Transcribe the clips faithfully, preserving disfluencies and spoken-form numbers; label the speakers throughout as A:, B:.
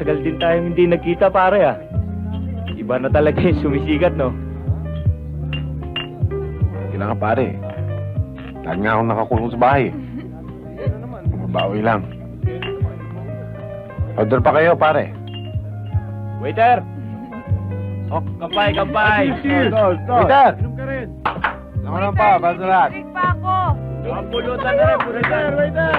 A: Matagal din tayong hindi nagkita, pare, ah. Iba na talaga yung sumisikat, no?
B: Hindi na nga, pare. Lagi nga akong nakakulong sa bahay. Mabawi lang. Order pa kayo, pare.
A: Waiter! Oh, kampay, kampay!
B: Waiter! Inom ka rin. Lang lang pa, para sa lahat.
C: Drink pa ako.
A: Ang pulutan na rin, pulutan. Waiter!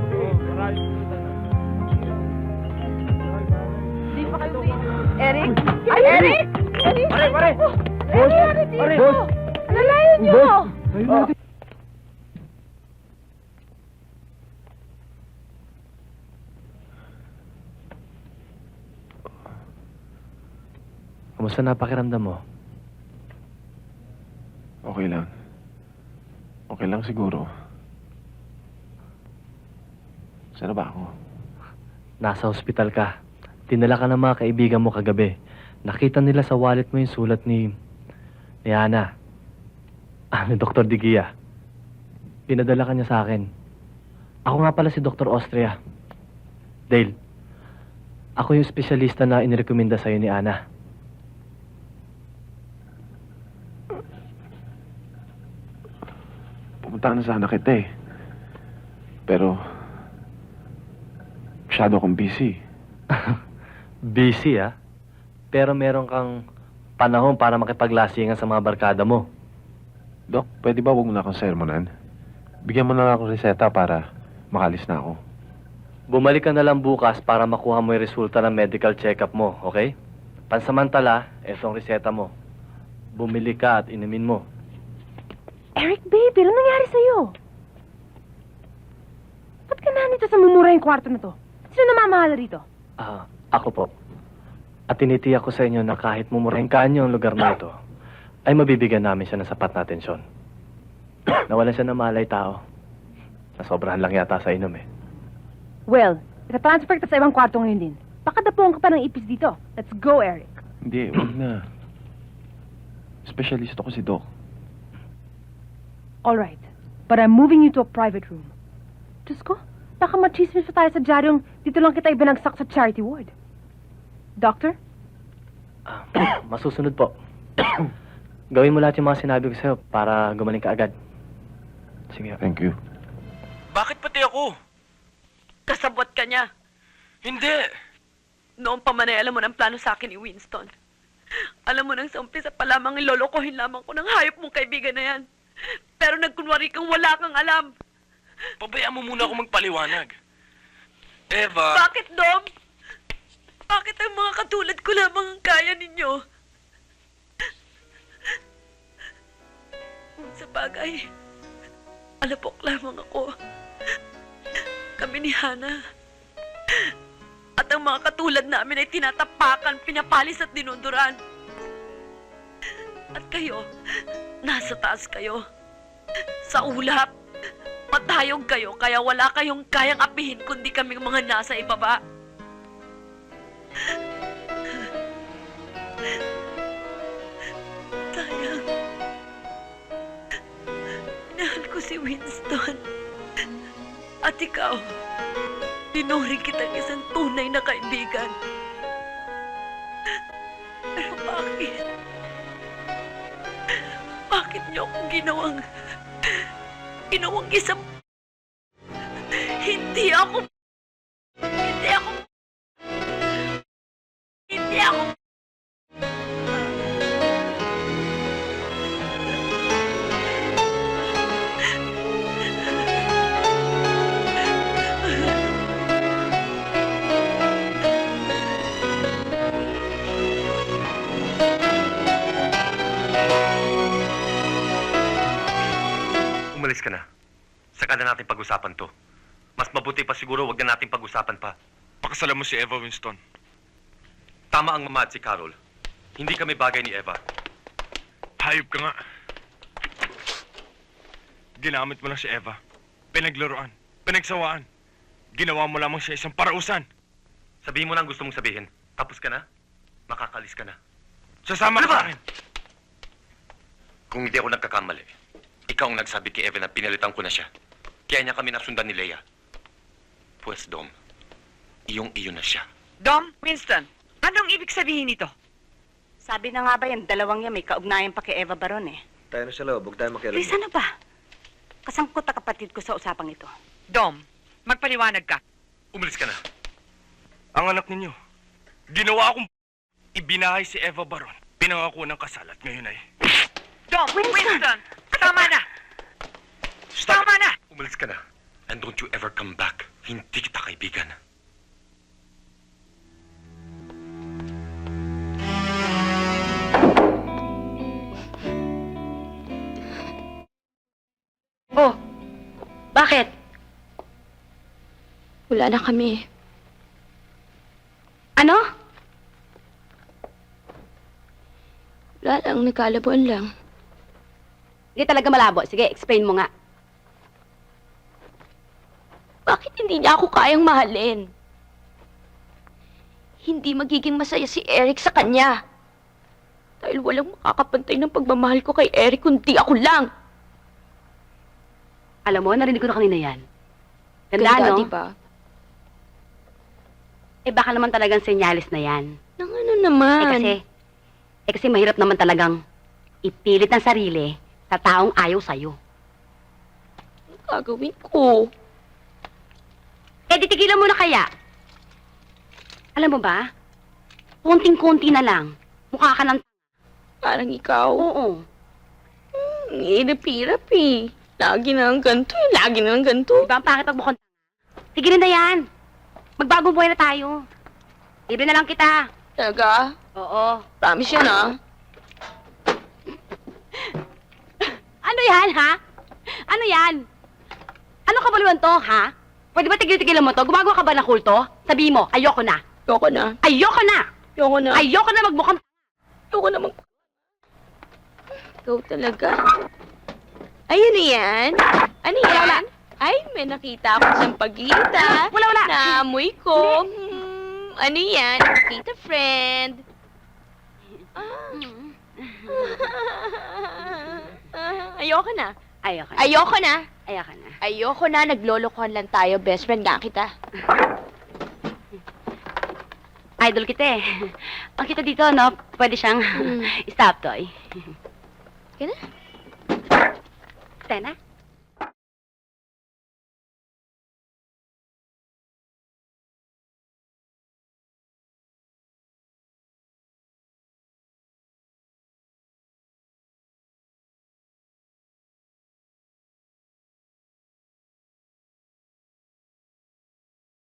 C: Hindi pa kayo Eric? Ay, Eric! Eric!
A: Pare, pare!
C: Ano nangyari dito?
A: Pare! Boss!
C: Alalayan niyo!
A: Oh. Kamusta na pakiramdam mo?
B: Okay lang. Okay lang siguro. Saan na ba ako?
A: Nasa ospital ka. Dinala ka ng mga kaibigan mo kagabi. Nakita nila sa wallet mo yung sulat ni... ni Ana. Ah, ni Doktor Digia. Pinadala ka niya sa akin. Ako nga pala si Doktor Austria. Dale, ako yung espesyalista na inirekomenda sa'yo ni Ana.
B: Pumunta na sana kita eh. Pero... masyado akong busy.
A: Busy, ah. Pero meron kang panahon para makipaglasingan sa mga barkada mo.
B: Dok, pwede ba huwag mo na akong sermonan? Bigyan mo na lang akong reseta para makalis na ako.
A: Bumalik ka na lang bukas para makuha mo yung resulta ng medical check-up mo, okay? Pansamantala, etong reseta mo. Bumili ka at inumin mo.
C: Eric, baby, ano nangyari sa'yo? Ba't ka na nito sa mumurahing kwarto na to? Sino namamahala rito?
A: Ah, ako po. At tinitiyak ko sa inyo na kahit mumurahin ka niyo ang lugar na ito, ay mabibigyan namin siya ng sapat na atensyon. Nawalan siya ng malay tao. Nasobrahan lang yata sa inom eh.
C: Well, itatransfer kita sa ibang kwarto ngayon din. Baka dapuan ka pa ng ipis dito. Let's go, Eric.
B: Hindi, huwag na. Specialist ako si Doc.
C: All right, but I'm moving you to a private room. Diyos ko, baka machismis pa tayo sa dyaryong dito lang kita ibinagsak sa charity ward. Doctor?
A: Ah, masusunod po. Gawin mo lahat yung mga sinabi ko sa'yo para gumaling ka agad. Sige.
B: Thank you.
D: Bakit pati ako?
E: Kasabot ka niya.
D: Hindi.
E: Noong pa man ay alam mo ng plano sa akin ni Winston. Alam mo nang sa umpisa pa lamang ilolokohin lamang ko ng hayop mong kaibigan na yan. Pero nagkunwari kang wala kang alam.
D: Pabayaan mo muna ako magpaliwanag. Eva...
E: Bakit, Dom? Bakit ang mga katulad ko lamang ang kaya ninyo? Kung sa bagay, alapok lamang ako. Kami ni Hana. At ang mga katulad namin ay tinatapakan, pinapalis at dinuduran. At kayo, nasa taas kayo. Sa ulap. Matayog kayo, kaya wala kayong kayang apihin kundi kaming mga nasa ibaba. Sayang. Minahal ko si Winston. At ikaw, dinuri kitang isang tunay na kaibigan. Pero bakit? Bakit niyo akong ginawang... ginawang isang... Hindi ako... Hindi ako... Hindi ako...
F: Umalis ka na. Saka na natin pag-usapan to. Mas mabuti pa siguro wag na natin pag-usapan pa.
D: Pakasalan mo si Eva Winston.
F: Tama ang mama at si Carol. Hindi kami bagay ni Eva.
D: Hayop ka nga. Ginamit mo lang si Eva. Pinaglaruan. Pinagsawaan. Ginawa mo lamang siya isang parausan.
F: Sabihin mo na ang gusto mong sabihin. Tapos ka na, makakalis ka na.
D: Sasama
F: Ano
D: ka
F: ba?
D: sa akin.
F: Kung hindi ako nagkakamali, ikaw ang nagsabi kay Eva na pinalitan ko na siya. Kaya niya kami nasundan ni Leia. Pues, Dom, iyong-iyo na siya.
G: Dom, Winston, anong ibig sabihin nito?
H: Sabi na nga ba yan, dalawang yan may kaugnayan pa kay Eva Baron eh.
I: Tayo na sa loob, huwag tayo makialam.
H: Chris, ano ba? Kasangkot na kapatid ko sa usapang ito.
G: Dom, magpaliwanag ka.
F: Umalis ka na.
D: Ang anak ninyo, ginawa akong ibinahay si Eva Baron. Pinangako ng kasal at ngayon ay...
G: Dom, Winston, tama na!
F: Stop
G: Tama
F: it.
G: na!
F: Umalis ka na. And don't you ever come back. Hindi kita kaibigan.
E: Oh, bakit?
J: Wala na kami.
E: Ano?
J: Wala lang, nagkalabuan lang.
E: Hindi talaga malabo. Sige, explain mo nga.
J: Bakit hindi niya ako kayang mahalin? Hindi magiging masaya si Eric sa kanya. Dahil walang makakapantay ng pagmamahal ko kay Eric kundi ako lang.
E: Alam mo, narinig ko na kanina yan. Ganda,
J: Ganda,
E: no?
J: diba?
E: Eh, baka naman talagang senyalis na yan.
J: Nang ano naman?
E: Eh, kasi, eh, kasi mahirap naman talagang ipilit ng sarili sa taong ayaw sa'yo.
J: Anong gagawin ko?
E: Eh, di tigilan mo na kaya. Alam mo ba, konting-konti na lang, mukha ka ng...
J: Parang ikaw.
E: Oo.
J: Hmm, hirap-hirap eh. Lagi na lang ganito eh. Lagi na lang ganito.
E: Diba ang pangit magmukhang... Tigilin na yan. Magbagong buhay na tayo. Libre na lang kita.
J: Talaga?
E: Oo.
J: Promise yan ah.
E: Ano yan, ha? Ano yan? Ano kabuluhan to, ha? Pwede ba tigil-tigilan mo to? Gumagawa ka ba ng kulto? Sabihin mo, ayoko na.
J: Ayoko na.
E: Ayoko na!
J: Ayoko na.
E: Ayoko na magmukhang...
J: Ayoko na mag... Ikaw talaga. Ay, ano yan? Ano yan? Ay, may nakita ako sa pagkita.
E: Wala, wala.
J: Naamoy ko. Hmm, ano yan? Nakita, friend. Ah. Ah, ayoko na.
E: Ayoko na.
J: Ayoko na.
E: Ayoko na.
J: Ayoko na. Naglolokohan lang tayo. Best friend nga kita.
E: Idol kita eh. Ang kita dito, no? Pwede siyang
J: Hmm.
E: stop toy.
J: Kaya na?
E: Tena?